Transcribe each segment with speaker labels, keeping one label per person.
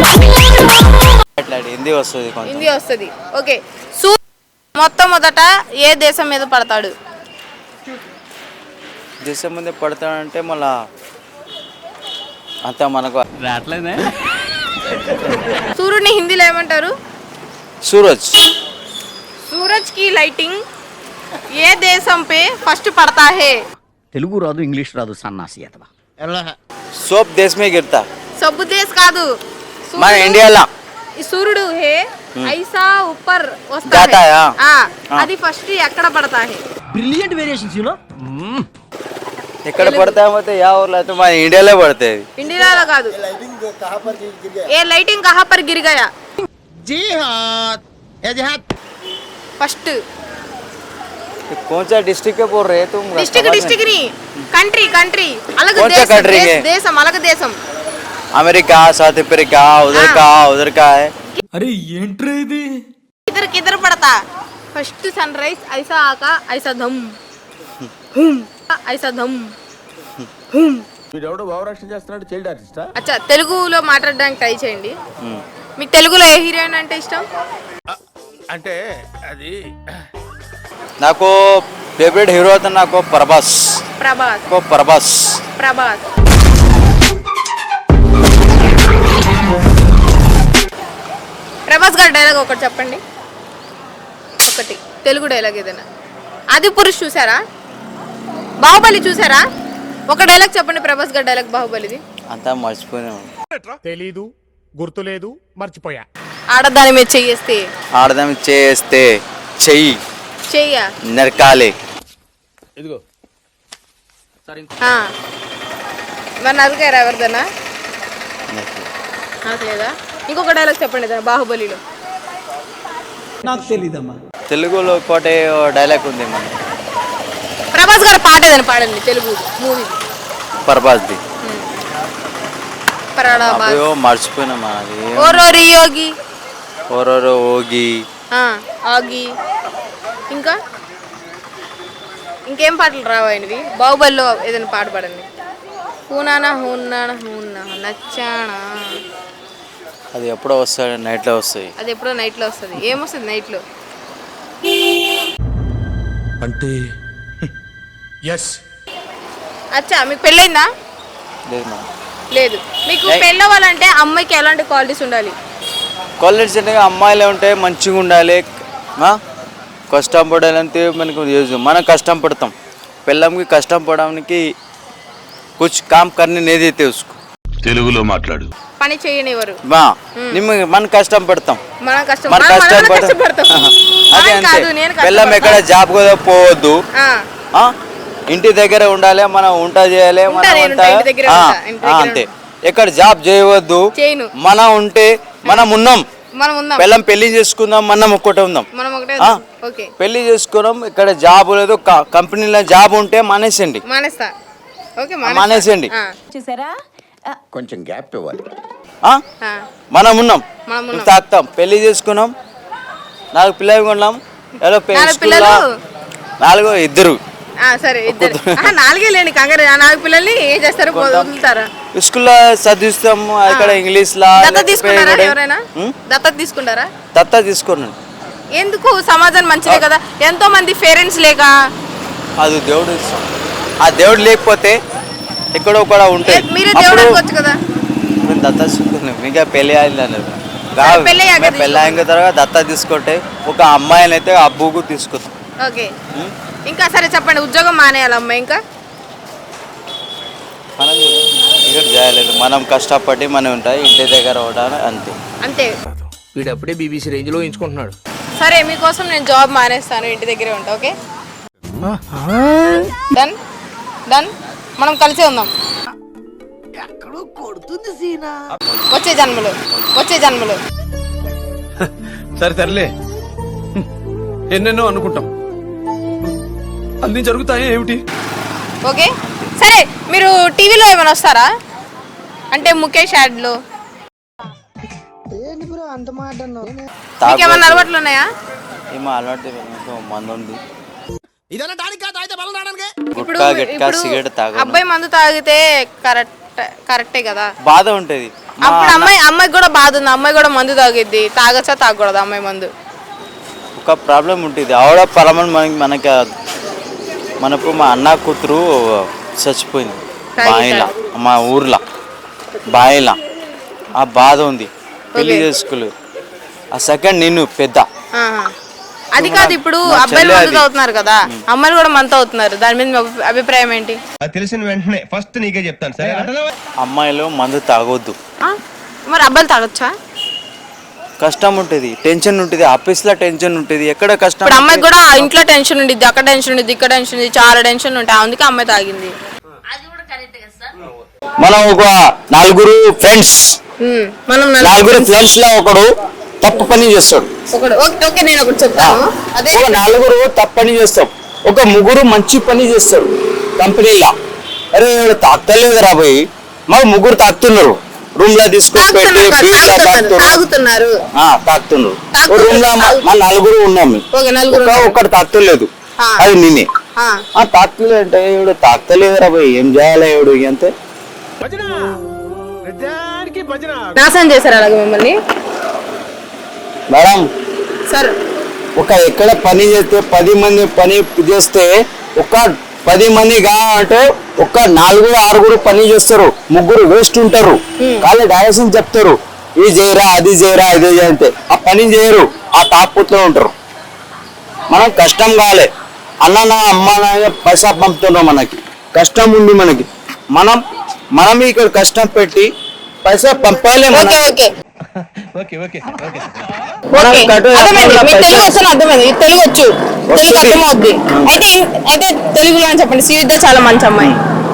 Speaker 1: హిందీ వస్తుంది,
Speaker 2: హిందీ వస్తుంది. ఓకే, మొట్టమొదట ఏ దేశం మీద పడతాడు?
Speaker 1: దేశం మీద పడతాడంటే మళ్ళా అంత మనకు రావట్లేదే.
Speaker 2: సూర్యుడిని హిందీలో ఏమంటారు?
Speaker 1: సూరజ్.
Speaker 2: సూరజ్ కి లైటింగ్ ఏ దేశం పే ఫస్ట్ పడతా హే?
Speaker 3: తెలుగు రాదు, ఇంగ్లీష్ రాదు, సన్నాసి అతవా.
Speaker 1: సోప్ దేశ్ మే గిర్తా.
Speaker 2: సబ్బు దేశ్ కాదు,
Speaker 1: మన ఇండియాలో
Speaker 2: సూర్యుడు హే ఐసా ऊपर వస్తా
Speaker 1: जाता है.
Speaker 2: అది ఫస్ట్ ఎక్కడ పడతా హే?
Speaker 3: Brilliant variations you know.
Speaker 1: ఎక్కడ పడతామంటే యా ఊర్లో అయితే మన ఇండియాలో పడతాయి.
Speaker 2: ఇండియాలో కాదు. ఏ లైటింగ్ కహా పర్ గిర్ గయా?
Speaker 3: జీ हाँ एजाज
Speaker 2: फर्स्ट
Speaker 1: कौन सा डिस्ट्रिक्ट है बोल रहे तुम?
Speaker 2: डिस्ट्रिक्ट नहीं, कंट्री कंट्री अलग
Speaker 1: कौन सा कंट्री है?
Speaker 2: देशम अलग देशम.
Speaker 1: अमेरिका, साउथ अफ्रीका, उधर का है.
Speaker 4: अरे ఏంట్రా ఇది?
Speaker 2: किधर किधर पड़ता? फर्स्ट सनराइज ऐसा आका ऐसा धम हुम ऐसा धम हुम.
Speaker 5: వీడెవడో భావరక్షణ చేస్తున్నాడు, చైల్డ్ ఆర్టిస్టా?
Speaker 2: అచ్చా, తెలుగులో మాట్లాడడానికి ట్రై చేయండి. మీకు తెలుగులో ఏ హీరోయిన్ అంటే ఇష్టం?
Speaker 5: అంటే అది
Speaker 1: నాకు ఫేవరెట్ హీరో అయితే నాకు ప్రభాస్.
Speaker 2: ప్రభాస్.
Speaker 1: ప్రభాస్.
Speaker 2: ప్రభాస్. ప్రభాస్ గారి డైలాగ్ ఒకటి చెప్పండి, ఒకటి తెలుగు డైలాగ్ ఏదైనా. ఆది పురుష్ చూసారా? బాహుబలి చూసారా? ఒక డైలాగ్ చెప్పండి ప్రభాస్ గారి డైలాగ్ బాహుబలిది.
Speaker 1: అంతా మర్చిపోయినా.
Speaker 5: తెలీదు, గుర్తులేదు, మర్చిపోయా.
Speaker 2: ఆడదాని మీద చెయ్యేస్తే,
Speaker 1: ఆడదాం చేస్తే చెయ్యి
Speaker 2: చెయ్య
Speaker 1: నరకాలే.
Speaker 5: ఇదిగో
Speaker 2: మరి నరకారా ఎవరిదన్నా? నాకు లేదా? ఇంకొక డైలాగ్ చెప్పండి ఏదైనా బాహుబలిలో.
Speaker 4: నాకు తెలీదమ్మా.
Speaker 1: తెలుగులో ఒకటి డైలాగ్ ఉంది మన
Speaker 2: ప్రభాస్ గారి పాట ఏదైనా పాడండి తెలుగు మూవీ.
Speaker 1: ప్రభాస్ది
Speaker 2: పరాడాబాద్.
Speaker 1: మర్చిపోయినా అది.
Speaker 2: ఓరోరి యోగి.
Speaker 1: ఓరోరో ఓగి.
Speaker 2: ఆగి. ఇంకా ఇంకేం పాటలు రావాయినవి? బాహుబలిలో ఏదైనా పాట పాడండి. హూనానా హూనానా హూనా నచ్చానా.
Speaker 1: అది ఎప్పుడో వస్తుంది, నైట్లో వస్తాయి.
Speaker 2: అది ఎప్పుడో నైట్లో వస్తుంది. ఏమొస్తుంది నైట్లో?
Speaker 5: అంటే ఎస్.
Speaker 2: అచ్చా, మీకు పెళ్ళైందా?
Speaker 1: లేదు మేడం.
Speaker 2: లేదు. మీకు పెళ్ళవ్వాలంటే అమ్మాయికి ఎలాంటి క్వాలిటీస్ ఉండాలి?
Speaker 1: క్వాలిటీస్ అంటే అమ్మాయిలు ఉంటే మంచిగా ఉండాలి, కష్టం పడాలంటే మనకు మనం కష్టం పడతాం. పిల్లంకి కష్టం పడడానికి కుछ काम करने नहीं देते उसको.
Speaker 5: తెలుగులో మాట్లాడు.
Speaker 2: పని చేయనివ్వరు.
Speaker 1: మనం కష్టం పడతాం.
Speaker 2: మనం కష్టం
Speaker 1: మన కష్టం
Speaker 2: పడతాం.
Speaker 1: అదే అంతే. పిల్లం ఎక్కడ జాబ్ కూడా పోవద్దు, ఇంటి దగ్గర ఉండాలి, మనం వంట చేయాలి, అంతే. ఎక్కడ జాబ్ చేయవద్దు, మనం ఉంటే మనం ఉన్నాం. పిల్లం పెళ్లి చేసుకుందాం, మనం ఒక్కటే ఉందాం. పెళ్లి చేసుకున్నాం, ఇక్కడ జాబ్ లేదు, కంపెనీలో జాబ్ ఉంటే మానేసండి, మానేసండి.
Speaker 6: చూసారా,
Speaker 3: కొంచెం గ్యాప్ ఇవ్వాలి.
Speaker 1: మనం ఉన్నాం, తాగుతాం, పెళ్లి చేసుకున్నాం, 4 పిల్లలు కొన్నాం. నాలుగు ఇద్దరు.
Speaker 2: సరే, ఇద్దరు. 4 లేండి కంగారు. 4 పిల్లల్ని ఏం చేస్తారు? వదులుతారా?
Speaker 1: స్కూల్లో చదివిస్తాం, ఇక్కడ ఇంగ్లీష్ లా.
Speaker 2: దత్తత తీసుకుంటారా? ఎవరైనా దత్తత తీసుకుంటారా?
Speaker 1: దత్తత తీసుకున్నాను.
Speaker 2: ఎందుకు? సమాజం మంచిదే కదా. ఎంతో మంది పేరెంట్స్ లేక.
Speaker 1: అది దేవుడు. ఆ దేవుడు లేకపోతే ఎక్కడో కూడా ఉంటే
Speaker 2: మీరే దేవుడు అనుకోవచ్చు కదా.
Speaker 1: మేము దత్తత తీసుకున్నాం. ఇంకా పెళ్ళి అయిందన్నారు. పెళ్ళి అయిన తర్వాత దత్తత తీసుకుంటే ఒక అమ్మాయిని అయితే అబ్బుకు తీసుకుంటాం.
Speaker 2: ఓకే, ఇంకా సరే చెప్పండి. ఉద్యోగం మానేయాలి అమ్మాయి, ఇంకా
Speaker 1: మనం ఇక్కడ చేయలేదు, మనం కష్టపడి మనం ఉంటాయి, ఇంటి దగ్గర ఉండాలి, అంతే.
Speaker 2: అంతే.
Speaker 4: వీడప్పుడే బీబీసీ రేంజ్లో ఎంచుకుంటున్నాడు.
Speaker 2: సరే, మీకోసం నేను జాబ్ మానేస్తాను, ఇంటి దగ్గరే ఉంటా. Okay, done done. మనం కలిసే ఉందాం. వచ్చే జన్మలో.
Speaker 4: సరే తరలే, ఎన్నెన్నో అనుకుంటాం, అన్ని జరుగుతాయి ఏమిటి?
Speaker 2: ఓకే, సరే. మీరు టీవీలో ఏమైనా వస్తారా? అంటే ముఖేష్ యాడ్లో. మీకు ఏమైనా అలవాట్లు ఉన్నాయా?
Speaker 1: ఏమో అలవాటు మందు ఉంది.
Speaker 2: ఇప్పుడు అబ్బాయి మందు తాగితే కరెక్టే కదా?
Speaker 1: బాధ ఉంటది.
Speaker 2: అప్పుడు అమ్మాయికి కూడా బాధ ఉంది, అమ్మాయి కూడా మందు తాగిద్ది, తాగచ్చా తాగకూడదు అమ్మాయి మందు?
Speaker 1: ఒక ప్రాబ్లం ఉంటుంది ఆవిడ పరమని మనకి మనకు మా అన్న కూతురు చచ్చిపోయింది బాయిలా, మా ఊర్లో బాయిలా. ఆ బాధ ఉంది, పెళ్లి చేసుకోలేదు. ఆ సెకండ్ నేను పెద్ద.
Speaker 2: అది కాదు, ఇప్పుడు అబ్బాయిలు మందు తాగుతున్నారు కదా, అమ్మాయిలు కూడా మందు అవుతున్నారు, దాని మీద మీ అభిప్రాయం ఏంటి?
Speaker 6: తెలిసిన వెంటనే ఫస్ట్ నీకే చెప్తాను సరే.
Speaker 1: అమ్మాయిలు మందు తాగొద్దు.
Speaker 2: మరి అబ్బాయిలు తాగొచ్చా?
Speaker 1: కష్టం ఉంటుంది, టెన్షన్ ఉంటుంది, ఆఫీస్లో టెన్షన్ ఉంటుంది, ఎక్కడ కష్టం.
Speaker 2: ఇప్పుడు అమ్మాయి కూడా ఇంట్లో టెన్షన్ ఉండిద్ది, అక్కడ టెన్షన్ ఉండిద్ది, ఇక్కడ టెన్షన్ ఉంది, చాలా టెన్షన్ ఉంటాయి, అందుకే అమ్మాయి తాగింది.
Speaker 1: మనం ఒక నలుగురు ఫ్రెండ్స్ లో ఒకడు తప్పు పని చేస్తాడు,
Speaker 2: నేను ఒకటి చెప్తాను. అదే
Speaker 1: ఒక నలుగురు తప్పు పని చేస్తాం, ఒక ముగ్గురు మంచి పని చేస్తాడు కంపెనీలో. అరే తాగుతలేదు రాబోయి, మా ముగ్గురు తాగుతున్నారు, రూమ్ లో తీసుకొని పెట్టి
Speaker 2: తాగుతున్నారు.
Speaker 1: రూమ్ లో మా నలుగురు ఉన్నాము, ఒక్కడు తాగుతలేదు, అది నేనే. తాగుతలేదు అంటే ఇవిడు తాగుతలేదు రాబోయి, ఏం చేయాలి ఇవిడు అంతే.
Speaker 2: నాశనం చేశారు అలాగే మిమ్మల్ని
Speaker 1: మేడం.
Speaker 2: సార్
Speaker 1: ఒక ఎక్కడ పని చేస్తే 10 మంది పని చేస్తే ఒక 10 మంది అంటే ఒక 4-6 పని చేస్తారు, ముగ్గురు వేస్ట్ ఉంటారు. కానీ డైరెక్షన్ చెప్తారు, ఇది చేయరా అది చేయరా ఇది అంటే ఆ పని చేయరు, ఆ తాపుతో ఉంటారు. మనం కష్టం కావాలి, అన్న నా అమ్మ నా పైసా పంపుతున్నాం, మనకి కష్టం ఉంది, మనకి మనం ఇక్కడ కష్టం పెట్టి పైసా పంపాలి.
Speaker 2: తెలుగు వచ్చు, తెలుగు అర్థమవుద్ది. అయితే తెలుగులో అని చెప్పండి. శ్రీవిద్య చాలా మంచి అమ్మాయి.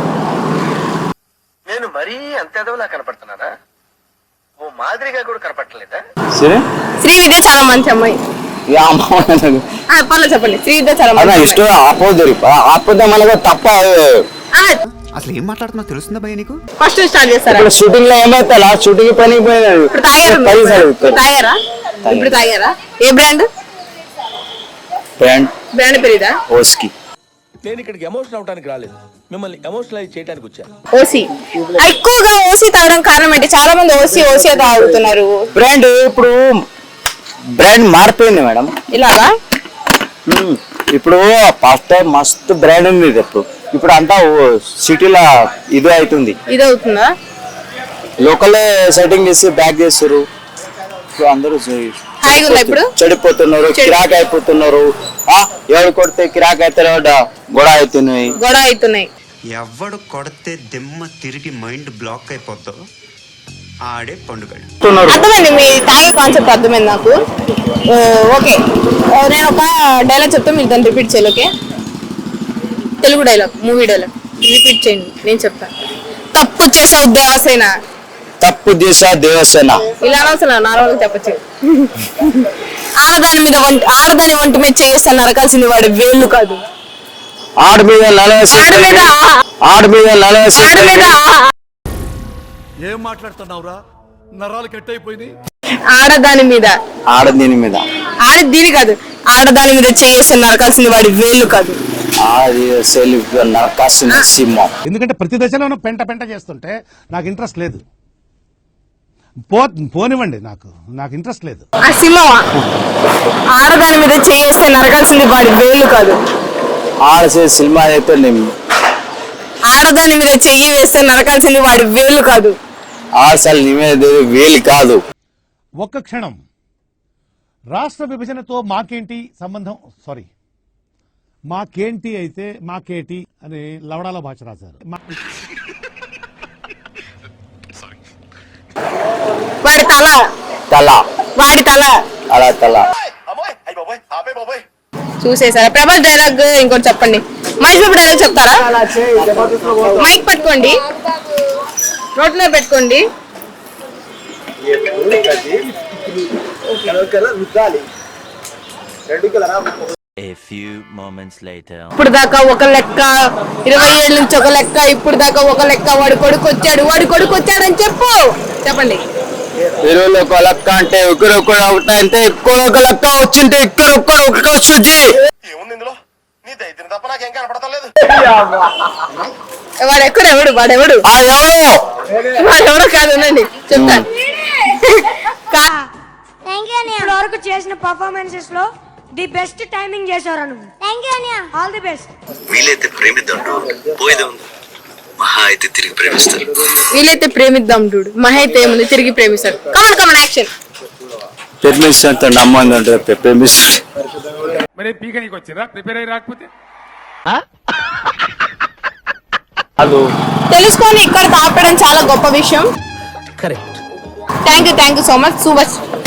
Speaker 6: నేను మరీ అంత ఎదవలా కనపడుతున్నానా? ఓ మాదిరిగా కూడా కనపడలేదా?
Speaker 2: శ్రీవిద్య చాలా మంచి అమ్మాయి. పర్లేదు చెప్పండి. శ్రీవిద్య చాలా మంచి
Speaker 1: ఇష్టం ఆపోతే మనకు తప్ప.
Speaker 7: అసలు ఏం మాట్లాడుతున్నా తెలుస్తుందా భయ నీకు?
Speaker 2: ఫస్ట్ స్టార్ట్ చేస్తారా?
Speaker 1: షూటింగ్ లో ఏమైతే షూటింగ్ పని
Speaker 2: తాగారా? ఇప్పుడు తాగారా? ఏ బ్రాండ్ బ్రాండ్ పెరిదా?
Speaker 1: ఓస్కి.
Speaker 4: నేను ఇక్కడికి ఎమోషనల్ అవడానికి రాలేదు, మిమ్మల్ని ఎమోషనలైజ్ చేయడానికి వచ్చాను.
Speaker 2: ఓసి ఎక్కువగా ఓసి తాగడం కారణం ఏంటి? చాలా మంది ఓసి తాగుతున్నారు.
Speaker 1: బ్రాండ్ ఇప్పుడు బ్రాండ్ మారిపోయింది మేడం.
Speaker 2: ఇలాగా
Speaker 1: ఇప్పుడు ఫస్ట్ టైం మస్తు బ్రాండ్ ఉంది, ఇప్పుడు అంతా సిటీలో ఇదే అవుతుంది.
Speaker 2: ఇది అవుతుందా?
Speaker 1: లోకల్ సెట్టింగ్ చేసి బ్యాక్ చేస్తారు, అందరూ చెడిపోతున్నారు, కిరాక్ అయిపోతున్నారు. ఎవరు కొడితే కిరాక్ అయితే గొడవ అవుతున్నాయి.
Speaker 7: ఎవడు కొడితే దిమ్మ తిరిగి మైండ్ బ్లాక్ అయిపోద్దో ఆడే పండుగ.
Speaker 2: అర్థమైంది, మీ తాగే కాన్సెప్ట్ అర్థమైంది నాకు. ఓకే, నేను ఒక డైలాగ్ చెప్తా, మీరు దాన్ని రిపీట్ చేయాలి. Okay, Telugu dialogue, movie dialogue repeat చేయండి, నేను చెప్తాను. తప్పు చేసావు దేవసేన.
Speaker 1: తప్పు చేసా దేవసేన.
Speaker 2: ఇలా అసలు నార్మల్గా చెప్పచ్చు. ఆడదాని వంటి మీద చేస్తాను నరకాల్సింది వాడి వేళ్ళు కాదు.
Speaker 1: ఆడ మీద
Speaker 5: ఏం మాట్లాడుతున్నావురా? నరాలు కట్ అయిపోయింది.
Speaker 2: ఆడదాని మీద కాదు, ఆడదాని మీద చేస్తే నరకాల్సింది వాడి వేళ్ళు కాదు.
Speaker 5: ఎందుకంటే ప్రతి దశలోనూ పెంట చేస్తుంటే నాకు ఇంట్రెస్ట్ లేదు. పోనివ్వండి, నాకు ఇంట్రెస్ట్ లేదు.
Speaker 2: ఆ సింహం ఆడదాని మీద చేస్తే నరకాల్సింది వాడి వేళ్ళు కాదు.
Speaker 1: సినిమా అయితే
Speaker 2: ఆడదాని మీద చెయ్యి వేస్తే నరకాల్సింది వాడి వేలు కాదు.
Speaker 1: వేలు కాదు.
Speaker 5: ఒక్క క్షణం. రాష్ట్ర విభజనతో మాకేంటి సంబంధం? సారీ, మాకేంటి అయితే మాకేటి అని లవడాల భాష రాశారు.
Speaker 2: వాడి తల
Speaker 1: అలా తల
Speaker 2: చూసేసారా? ప్రభాస్ డైలాగ్ ఇంకోటి చెప్పండి. మహేష్ బాబు డైలాగ్ చెప్తారా? మైక్ పట్టుకోండి, నోట్లో పెట్టుకోండి. ఇప్పుడు దాకా ఒక లెక్క, 20 ఏళ్ళ నుంచి ఒక లెక్క, ఇప్పుడు దాకా ఒక లెక్క. వాడి కొడుకు వచ్చాడు అని చెప్పండి.
Speaker 1: ఇరువులు ఒక లెక్క అంటే ఒకరొకరు అవుతాయంటే ఎక్కువ ఒక లెక్క వచ్చింటే ఒక్కరొక్కరు ఒక వస్తుంది.
Speaker 6: ఏముంది ఇందులో? నీ దైత్యం తప్ప నాకేం కనపడతలేదు.
Speaker 2: వాడెవడు వాడెవడో కాదు ఉండండి చెప్తాను.
Speaker 8: ఇప్పటి వరకు చేసిన పర్ఫార్మెన్సెస్ లో ది బెస్ట్ టైమింగ్ చేశారు నువ్వు. All the best.
Speaker 6: వీలైతే ప్రేమిద్దాం పోయేదే ఉంది మహా అయితే తిరిగి ప్రేమిస్తారు.
Speaker 2: వీలైతే ప్రేమిద్దాం డూడు, మహా అయితే ఏముంది తిరిగి ప్రేమిస్తాడు. Come on action.
Speaker 1: ప్రేమిస్తే నమ్మంది అంటే ప్రేమిస్తే
Speaker 5: మరి పీక నీకు వచ్చిరా ప్రిపేర్ అయ్యి రాకపోతే
Speaker 2: తెలుసుకొని ఇక్కడ ఆపడం చాలా గొప్ప విషయం.
Speaker 3: Correct.
Speaker 2: Thank you so much.